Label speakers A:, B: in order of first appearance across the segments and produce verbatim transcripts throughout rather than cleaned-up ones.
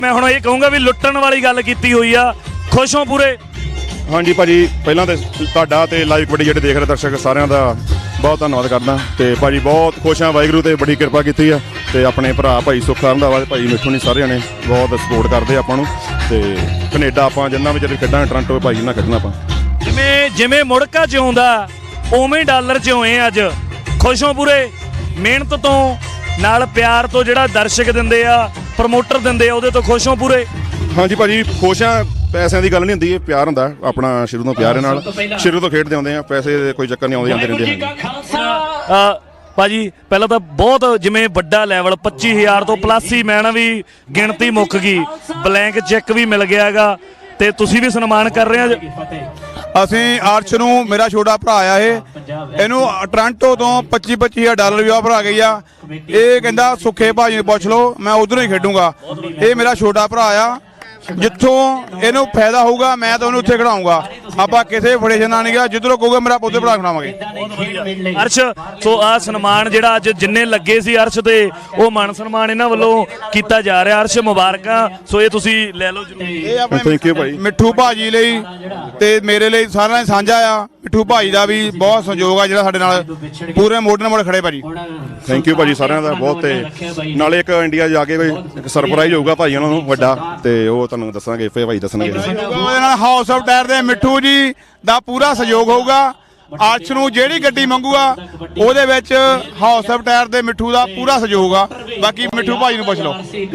A: मैं हुण ये कहूँगा भी लुट्टण वाली गल कीती हुई आ, खुश हो पूरे?
B: हाँ जी भाजी, पहला तो तुहाडा ते लाइव कबड्डी जिहड़े देख रहे दर्शक सारिਆਂ ਦਾ बहुत धन्नवाद करदा ते भाजी बहुत खुश हाँ, वाहिगुरू ते बड़ी किरपा कीती है ते अपने भरा भाई सुख रंधावा ते भाई मिठू ने सारे ने बहुत सपोर्ट करते आपां नूं ते कनेडा आपां जिन्ना भी जद खेडां टोरंटो भाई ना खेडना आपां
A: जिवें जिवें मुड़का जिउंदा उवें डॉलर जिउए अज, खुश हो पूरे? मेहनत तो नाल प्यार तो जिहड़ा दर्शक दिंदे आ, प्रमोटर दिंदे आ, उहदे तो खुश हो पूरे?
B: हाँ जी भाजी खुश हाँ, पैसों की गल नहीं होंदी, प्यार होंदा अपना शुरू तो प्यार नाल शुरू तो खेडते आउंदे आ, पैसे कोई चक्कर नहीं आउंदे आंदे रहिंदे
A: आ, भाजी पहला तो बहुत जिमें वड्डा लैवल पच्ची हज़ार तो प्लस ही मैं ना भी गिणती मुक गई, ब्लैंक चैक भी मिल गया गा ते तुसीं भी सन्मान कर रहे हो।
C: ਅਸੀਂ ਅਰਸ਼ ਨੂੰ ਮੇਰਾ ਛੋਟਾ ਭਰਾ ਆ, ਇਹ ਇਹਨੂੰ ਟੋਰਾਂਟੋ ਤੋਂ ਪੱਚੀ ਪੱਚੀ ਹਜ਼ਾਰ ਡਾਲਰ ਵੀ ਆਫਰ ਆ ਗਈ ਆ। ਇਹ ਕਹਿੰਦਾ ਸੁੱਖੇ ਭਾਜੀ ਨੂੰ ਪੁੱਛ ਲਓ, ਮੈਂ ਉਧਰੋਂ ਹੀ ਖੇਡੂੰਗਾ। ਇਹ ਮੇਰਾ ਛੋਟਾ ਭਰਾ ਆ, ਜਿੱਥੋਂ ਇਹਨੂੰ ਫਾਇਦਾ ਹੋਊਗਾ ਮੈਂ ਤਾਂ ਉਹਨੂੰ ਉੱਥੇ ਖੜਾਊਂਗਾ। ਆਪਾਂ ਕਿਸੇ ਫੜੇਸ਼ਨ ਨਾਲ ਨਹੀਂ ਗਿਆ, ਜਿੱਧਰੋਂ ਕਹੂਗਾ ਮੇਰਾ ਪੁੱਤ ਭਰਾ ਖੜਾਵਾਂਗੇ।
A: ਅਰਸ਼ ਸੋ ਆ ਸਨਮਾਨ ਜਿਹੜਾ ਅੱਜ ਜਿੰਨੇ ਲੱਗੇ ਸੀ ਅਰਸ਼ ਤੇ ਉਹ ਮਾਨ ਸਨਮਾਨ ਇਹਨਾਂ ਵੱਲੋਂ ਕੀਤਾ ਜਾ ਰਿਹਾ। ਅਰਸ਼ ਮੁਬਾਰਕਾਂ, ਸੋ ਇਹ ਤੁਸੀਂ ਲੈ ਲਓ ਜਰੂਰ।
C: ਇਹ ਆਪਣੇ
B: ਥੈਂਕ ਯੂ ਭਾਈ,
C: ਮਿੱਠੂ ਭਾਜੀ ਲਈ ਤੇ ਮੇਰੇ ਲਈ ਸਾਰਿਆਂ ਨੇ ਸਾਂਝਾ ਆ। ਮਿੱਠੂ ਭਾਜੀ ਦਾ ਵੀ ਬਹੁਤ ਸਹਿਯੋਗ ਆ ਜਿਹੜਾ ਸਾਡੇ ਨਾਲ ਪੂਰੇ ਮੋਢੇ ਨਾਲ ਮੋਢੇ ਖੜੇ ਭਾਜੀ।
B: ਥੈਂਕ ਯੂ ਭਾਜੀ ਸਾਰਿਆਂ ਦਾ ਬਹੁਤ। ਤੇ ਨਾਲੇ ਇੱਕ ਇੰਡੀਆ ਜਾ ਕੇ ਇੱਕ ਸਰਪ੍ਰਾਈਜ਼ ਹੋਊਗਾ ਭਾਈ ਉਹਨਾਂ ਨੂੰ ਵੱਡਾ, ਤੇ ਉਹ ਤੁਹਾਨੂੰ ਦੱਸਾਂਗੇ ਫੇ ਭਾਈ ਦੱਸਣਗੇ।
C: ਉਹਦੇ ਨਾਲ ਹਾਊਸ ਆਫ ਟਾਇਰ ਦੇ ਮਿੱਠੂ ਜੀ ਦਾ ਪੂਰਾ ਸਹਿਯੋਗ ਹੋਊਗਾ। ਅਰਸ਼ ਨੂੰ ਜਿਹੜੀ ਗੱਡੀ ਮੰਗੂਗਾ ਉਹਦੇ ਵਿੱਚ ਹਾਊਸ ਆਫ ਟਾਇਰ ਦੇ ਮਿੱਠੂ ਦਾ ਪੂਰਾ ਸਹਿਯੋਗ ਆ। ਬਾਕੀ ਮਿੱਠੂ ਭਾਈ ਨੂੰ ਪੁੱਛ ਲਓ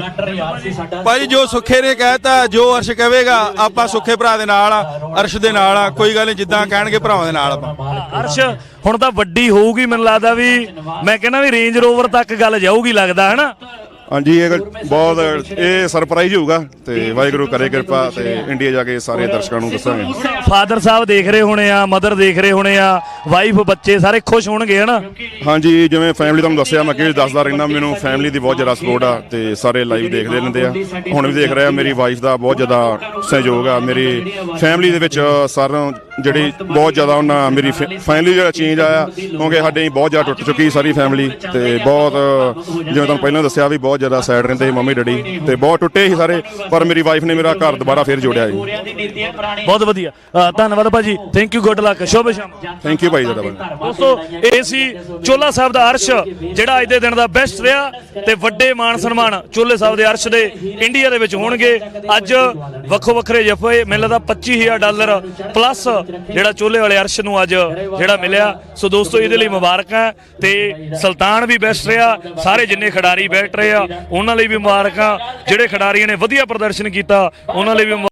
D: ਭਾਜੀ, ਜੋ ਸੁੱਖੇ ਨੇ ਕਹਿਤਾ, ਜੋ ਅਰਸ਼ ਕਹੇਗਾ ਆਪਾਂ ਸੁੱਖੇ ਭਰਾ ਦੇ ਨਾਲ ਆ, ਅਰਸ਼ ਦੇ ਨਾਲ ਆ, ਕੋਈ ਗੱਲ ਨਹੀਂ, ਜਿੱਦਾਂ ਕਹਿਣਗੇ ਭਰਾਵਾਂ ਦੇ ਨਾਲ ਆਪਾਂ।
A: ਅਰਸ਼ ਹੁਣ ਤਾਂ ਵੱਡੀ ਹੋਊਗੀ, ਮੈਨੂੰ ਲੱਗਦਾ ਵੀ ਮੈਂ ਕਹਿੰਦਾ ਵੀ ਰੇਂਜ ਰੋਵਰ ਤੱਕ ਗੱਲ ਜਾਊਗੀ ਲੱਗਦਾ, ਹੈ ਨਾ?
B: हाँ जी, ये बहुत ये सरप्राइज होगा तो वाहिगुरू करे किरपा ते इंडिया जाके सारे दर्शकों को दसांगे।
A: फादर साहब देख रहे होने आ, मदर देख रहे होने आ, वाइफ बच्चे सारे खुश होणगे, है ना?
B: हाँ जी, जिवें फैमिली तुहानूं दस्सिया मैं अगे दसदा रहना, मैनूं फैमिली की बहुत ज़्यादा सपोर्ट आ ते सारे लाइव देखते रहंदे आ। हुण भी देख रहे आ, मेरी वाइफ का बहुत ज़्यादा सहयोग आ। मेरी फैमिली दे विच सारों जिहड़ी बहुत ज़्यादा उन्हां मेरी फैमिली जिहड़ा चेंज आया, क्योंकि साडे बहुत ज़्यादा टुट चुकी सारी फैमिली ते बहुत जिवें तुहानूं पहिलां दस्सिया भी बहुत ज़्यादा सैड रहिंदे मम्मी डैडी ते बहुत टुटे ही सारे, पर मेरी वाइफ ने मेरा घर दोबारा फिर जोड़िया जी।
A: बहुत वधिया, धन्नवाद भाजी, थैंक यू, गुड लक, शुभ शाम।
B: थैंक यू भाई ज़्यादा।
A: दोस्तों ਇਹ ਸੀ ਚੋਲਾ ਸਾਹਿਬ ਦਾ ਅਰਸ਼ ਜਿਹੜਾ ਅੱਜ ਦੇ ਦਿਨ ਦਾ ਬੈਸਟ ਰਿਹਾ ਤੇ ਵੱਡੇ ਮਾਣ ਸਨਮਾਨ ਚੋਲੇ ਸਾਹਿਬ ਦੇ ਅਰਸ਼ ਦੇ ਇੰਡੀਆ ਦੇ ਵਿੱਚ ਹੋਣਗੇ। ਅੱਜ ਵੱਖੋ ਵੱਖਰੇ ਜਫੇ ਮੈਨੂੰ ਲੱਗਦਾ ਪੱਚੀ ਹਜ਼ਾਰ ਡਾਲਰ ਪਲੱਸ ਜਿਹੜਾ ਚੋਲੇ ਵਾਲੇ ਅਰਸ਼ ਨੂੰ ਅੱਜ ਜਿਹੜਾ ਮਿਲਿਆ। ਸੋ ਦੋਸਤੋ ਇਹਦੇ ਲਈ ਮੁਬਾਰਕਾਂ ਤੇ ਸੁਲਤਾਨ ਵੀ ਬੈਸਟ ਰਿਹਾ, ਸਾਰੇ ਜਿੰਨੇ ਖਿਡਾਰੀ ਬੈਠ ਰਹੇ ਆ ਉਹਨਾਂ ਲਈ ਵੀ ਮੁਬਾਰਕਾਂ, ਜਿਹੜੇ ਖਿਡਾਰੀਆਂ ਨੇ ਵਧੀਆ ਪ੍ਰਦਰਸ਼ਨ ਕੀਤਾ ਉਹਨਾਂ ਲਈ ਵੀ।